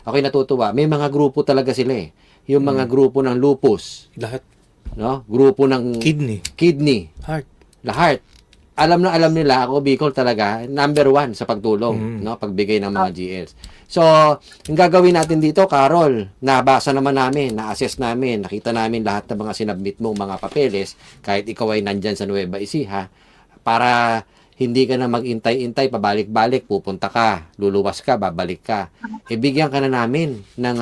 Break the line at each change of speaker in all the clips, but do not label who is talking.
Ako'y natutuwa. May mga grupo talaga sila eh. Yung mga grupo ng lupus,
Lahat.
no? Grupo ng kidney,
Heart.
lahat. Alam na alam nila, ako Bicol talaga, number 1 sa pagtulong, no? Pagbigay ng mga GLs. So, yung gagawin natin dito, Carol, nabasa naman namin, na-assess namin, nakita namin lahat ng mga sinabmit mong mga papeles, kahit ikaw ay nandyan sa Nueva Ecija, para hindi ka na mag-intay-intay, pabalik-balik, pupunta ka, luluwas ka, babalik ka. Ibigyan ka na namin ng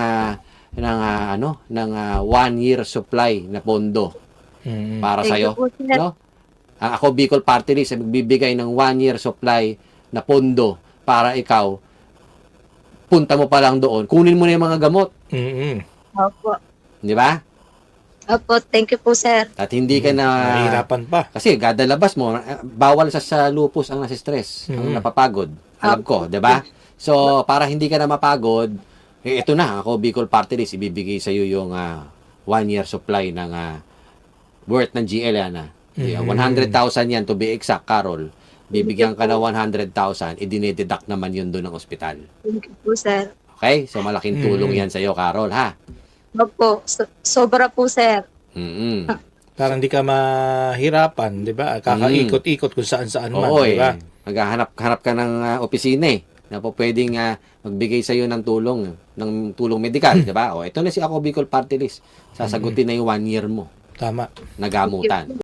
1 year supply na pondo para sa iyo, no? Ako Bicol Party List ay magbibigay ng 1 year supply na pondo para ikaw punta mo pa lang doon, kunin mo na yung mga gamot,
Opo.
di ba?
Opo, thank you po, sir.
At hindi ka na
Mahirapan pa.
kasi gadalabas mo, bawal sa lupus ang nasa-stress, ang napapagod. Alam ko, 'di ba? So, para hindi ka na mapagod, ito na, ako Bicol Party List, ibibigay sa iyo yung 1 year supply ng worth ng GL yan. 100,000 yan to be exact, Carol. Bibigyan ka na 100,000, idinideduct naman yun doon ng ospital.
Thank you po, sir.
Okay? So, malaking tulong yan sa iyo, Carol, ha?
Opo, sobra po, sir.
Para hindi ka mahirapan, di ba? Kakaikot-ikot kung saan-saan man,
Oo,
di ba?
Maghahanap ka ng opisina na po pwedeng magbigay sa iyo ng tulong medikal, di ba? O, ito na si Ako Bicol Party List. Sasagutin na yung 1 year mo
Tama.
na gamutan.